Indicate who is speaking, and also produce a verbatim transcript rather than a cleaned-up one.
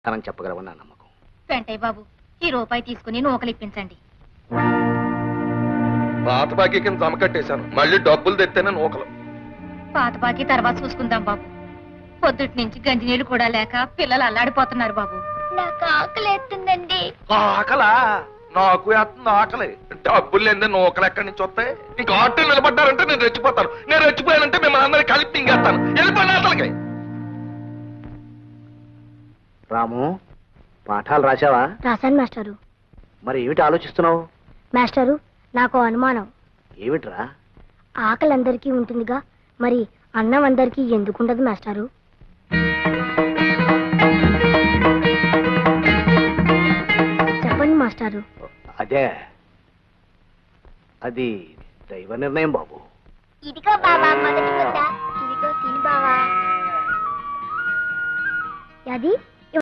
Speaker 1: తనని చెప్పగలవని నా నమ్మకం.
Speaker 2: వెంటయ్య బాబు, ఈ రూపాయి తీసుకుని నూకలు ఇప్పించండి.
Speaker 3: పాత బాకీ కింద జమ కట్టేశాను, మళ్ళీ డబ్బులు తెత్తేనే నూకలు.
Speaker 2: పాత బాకీ తర్వాత చూసుకుందాం బాబు. పొద్దుటి నుంచి గంజి నీళ్లు కూడా లేక పిల్లలు అల్లాడిపోతున్నారు బాబు.
Speaker 4: నాకు ఆకలి ఎత్తుందండి.
Speaker 3: ఆకలా? నాకు వేస్తుంది ఆకలి. డబ్బులు లేదే నూకలు ఎక్కడి నుంచి వస్తాయి? ఇంకా ఆటో నిలబడ్డారంటే నేను రెచ్చిపోతాను. నేను రెచ్చిపోయానంటే మిమ్మల్ని అందరికీ కలిపి తింగేస్తాను. వెళ్ళిపోయిన అసలుకి.
Speaker 1: రాము, పాఠాలు రాశావా?
Speaker 4: రాశాను మాస్టారు.
Speaker 1: మరి ఏమిటి ఆలోచిస్తున్నావు?
Speaker 4: మాస్టారు, నాకు అనుమానం.
Speaker 1: ఏమిట్రా?
Speaker 4: ఆకలి అందరికీ ఉంటుందిగా, మరి అన్నం అందరికీ ఎందుకుండదు మాస్టారు? చెప్పండి మాస్టారు.
Speaker 1: అదే, అది దైవ నిర్ణయం బాబు.
Speaker 4: ఇదిగో బావా మొదటి ముద్ద. ఇదిగో తిని బావా. అది